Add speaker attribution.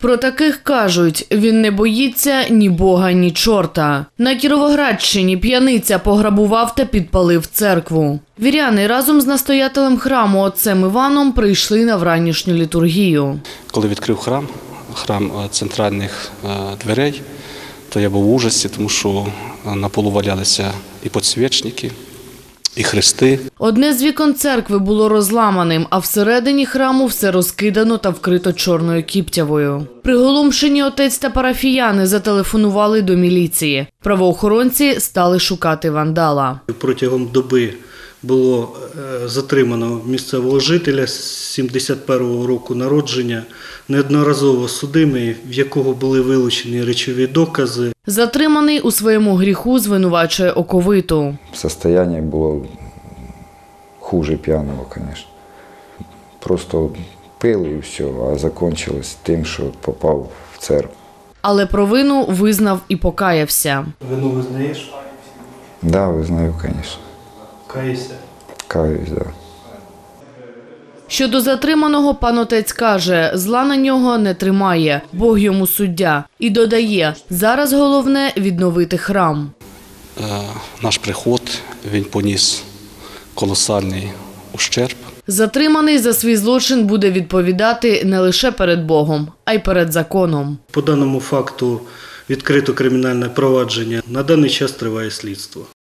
Speaker 1: Про таких кажуть, він не боїться ні Бога, ні чорта. На Кіровоградщині п'яниця пограбував та підпалив церкву. Віряни разом з настоятелем храму отцем Іваном прийшли на вранішню літургію.
Speaker 2: Коли відкрив храм центральних дверей, то я був в ужасі, тому що на полу валялися і підсвічники, і хрести.
Speaker 1: Одне з вікон церкви було розламаним, а всередині храму все розкидано та вкрито чорною кіптявою. Приголомшені отець та парафіяни зателефонували до міліції. Правоохоронці стали шукати вандала.
Speaker 3: Протягом доби було затримано місцевого жителя 71-го року народження, неодноразово судимий, в якого були вилучені речові докази.
Speaker 1: Затриманий у своєму гріху звинувачує оковиту.
Speaker 4: Состояние было хуже пьяного, конечно. Просто пил и все, а закончилось тем, что попал в церковь.
Speaker 1: Але провину визнав і покаявся.
Speaker 3: Вину визнаєш?
Speaker 4: Да, вызнаю, конечно.
Speaker 3: Каєшся?
Speaker 4: Каюсь, да.
Speaker 1: Щодо затриманого, пан отець каже, зла на нього не тримає, Бог йому суддя. І додає, зараз головне – відновити храм.
Speaker 2: Наш приход, він поніс колосальний ущерб.
Speaker 1: Затриманий за свій злочин буде відповідати не лише перед Богом, а й перед законом.
Speaker 3: По даному факту відкрито кримінальне провадження. На даний час триває слідство.